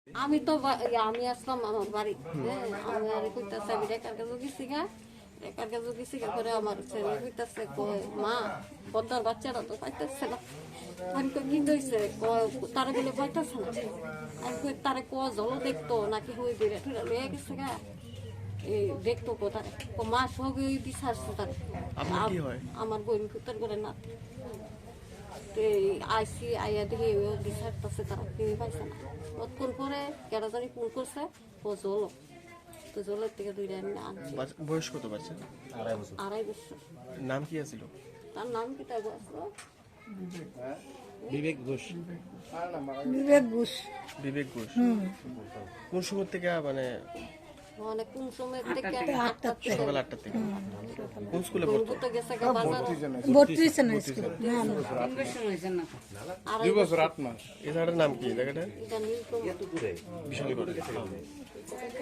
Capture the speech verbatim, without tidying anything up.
আমি তো আমি আসলাম আমার বাড়ি, হ্যাঁ আমি আর কইতাছে আমি রেখার কাছে গেছি গা রেখার কাছে গেছি গা করে আমার ছেলে কইতাছে কয় মা বদ্দার বাচ্চারা তো পাইতেছে না। আমি তো কি কইছে কয় তারা বলে পাইতেছে না। আমি কই তারে ক জল দেখতো নাকি হই দিলে ঠুরা লয়ে গেছে গা এই দেখতো কোথায় ও মা সব ওই দিশারছে তার আমার বোন কুতার করে না আইসি আইয়া দেখি দিশারতেছে তারা কেউ পাইছে না। কতক্ষণ পরে কেটা জানি ফোন করছে ও জল তো জলের থেকে দুইটা আমি আনছি। বয়স কত বাচ্চা? আড়াই বছর আড়াই বছর। নাম কি আছিল? তার নাম কি তাই বলছো? বিবেক ঘোষ। বিবেক ঘোষ বিবেক ঘোষ কোন সময় থেকে মানে মানে কোন সময় থেকে সকাল আটটা থেকে কোন স্কুলে পড়তো? তো গেছে গা বাজার বত্রিশ না স্কুল আড়াই বছর এই জায়গাটার নাম কি? জায়গাটা এটা নীলকমল বিশাল